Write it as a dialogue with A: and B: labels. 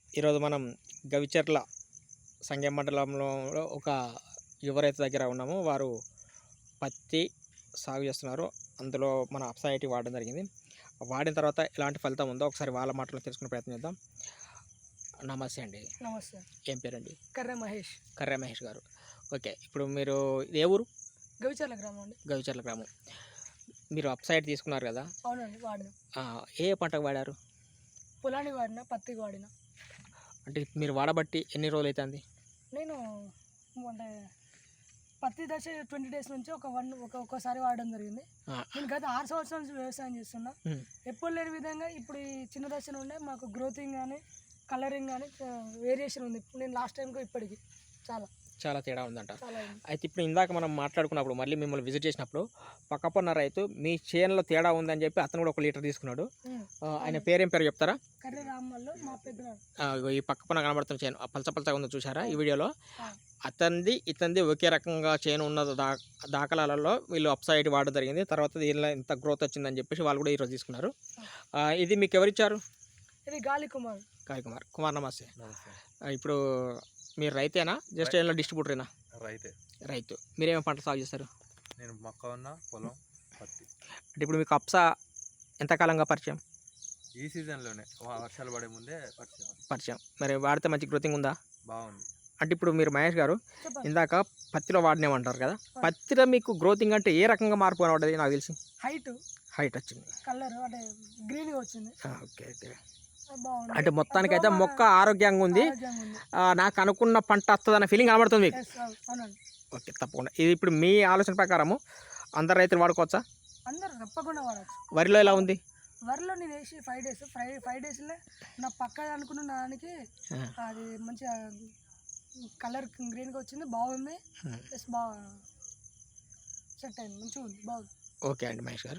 A: ఈరోజు మనం గవిచర్ల సంగెం మండలంలో ఒక యువ రైతు దగ్గర ఉన్నాము. వారు పత్తి సాగు చేస్తున్నారు. అందులో మన అప్సైటీ వాడడం జరిగింది. వాడిన తర్వాత ఎలాంటి ఫలితం ఉందో ఒకసారి వాళ్ళ మాటలో తెలుసుకునే ప్రయత్నం చేద్దాం. నమస్తే అండి.
B: నమస్తే.
A: ఏం పేరండి?
B: కర్రె మహేష్.
A: కర్రె మహేష్ గారు. ఓకే, ఇప్పుడు మీరు ఏ ఊరు?
B: గవిచర్ల గ్రామం అండి.
A: గవిచర్ల గ్రామం. మీరు అప్సైట్ తీసుకున్నారు కదా?
B: అవునండి, వాడిన.
A: ఏ పంటకు వాడారు?
B: పొలానికి వాడిన, పత్తికి వాడిన.
A: అంటే మీరు వాడబట్టి ఎన్ని రోజులు అవుతుంది?
B: నేను అంటే పత్తి దశ 20 days నుంచి ఒక్కోసారి వాడడం జరిగింది. నేను గత 6 సంవత్సరాల నుంచి వ్యవసాయం చేస్తున్నా. ఎప్పుడు లేని విధంగా ఇప్పుడు ఈ చిన్న దశ నుండే మాకు గ్రోతింగ్ కానీ కలరింగ్ కానీ వేరియేషన్ ఉంది. నేను లాస్ట్ టైంకి ఇప్పటికి
A: చాలా తేడా ఉందంట.
B: చాలా ఉంది.
A: అయితే ఇప్పుడు ఇందాక మనం మాట్లాడుకున్నప్పుడు మళ్ళీ మిమ్మల్ని విజిట్ చేసినప్పుడు పక్కపన్న రైతు మీ చేనులో తేడా ఉందని చెప్పి అతను కూడా 1 లీటర్ తీసుకున్నాడు. ఆయన పేరేం పేరు చెప్తారా?
B: కర్రె రామల్లో మా పెద్ద.
A: ఈ పక్కపన్న కనబడుతున్న చేను పలచపలచగా ఉందో చూసారా ఈ వీడియోలో? ఇతంది ఒకే రకంగా చేను ఉన్న దాఖలాలలో వీళ్ళు అప్సైడ్ వాడడం జరిగింది. తర్వాత దీనిలో ఇంత గ్రోత్ వచ్చిందని చెప్పేసి వాళ్ళు కూడా ఈరోజు తీసుకున్నారు. ఇది మీకు ఎవరిచ్చారు?
B: ఇది గాలి కుమార్.
A: కుమార్ నమస్తే. ఇప్పుడు మీరు రైతేనా? జస్ట్ ఏమైనా డిస్ట్రిబ్యూటరేనా? రైతు. మీరేమో పంట సాగు చేస్తారు?
C: నేను మొక్క ఉన్న పొలం పత్తి.
A: అంటే ఇప్పుడు మీకు అప్సా ఎంతకాలంగా పరిచయం?
C: ఈ సీజన్లోనే వర్షాలు పడే ముందే
A: పరిచయం. మరి వాడితే మంచి గ్రోతింగ్ ఉందా?
C: బాగుంది.
A: అంటే ఇప్పుడు మీరు మహేష్ గారు ఇందాక పత్తిలో వాడినామంటారు కదా, పత్తిలో మీకు గ్రోతింగ్ అంటే ఏ రకంగా మార్పు కనబడ్డది? నాకు తెలిసి హైట్ వచ్చింది,
B: కలర్ అంటే గ్రీన్ వచ్చింది.
A: ఓకే. అంటే మొత్తానికైతే మొక్క ఆరోగ్యంగా ఉంది. నాకు అనుకున్న పంట వస్తుందన్న ఫీలింగ్ కనబడుతుంది మీకు. ఓకే, తప్పకుండా. ఇది ఇప్పుడు మీ ఆలోచన ప్రకారము అందరు రైతులు వాడుకోవచ్చా?
B: అందరూ తప్పకుండా వాడచ్చు.
A: వరిలో ఎలా ఉంది?
B: వరిలో నేను వేసి 5 daysలో నా పక్క అనుకున్న దానికి అది మంచిగా కలర్ గ్రీన్గా వచ్చింది, బాగుంది. బాగా సెట్ అయింది, మంచిగా ఉంది, బాగుంది.
A: ఓకే అండి మహేష్ గారు.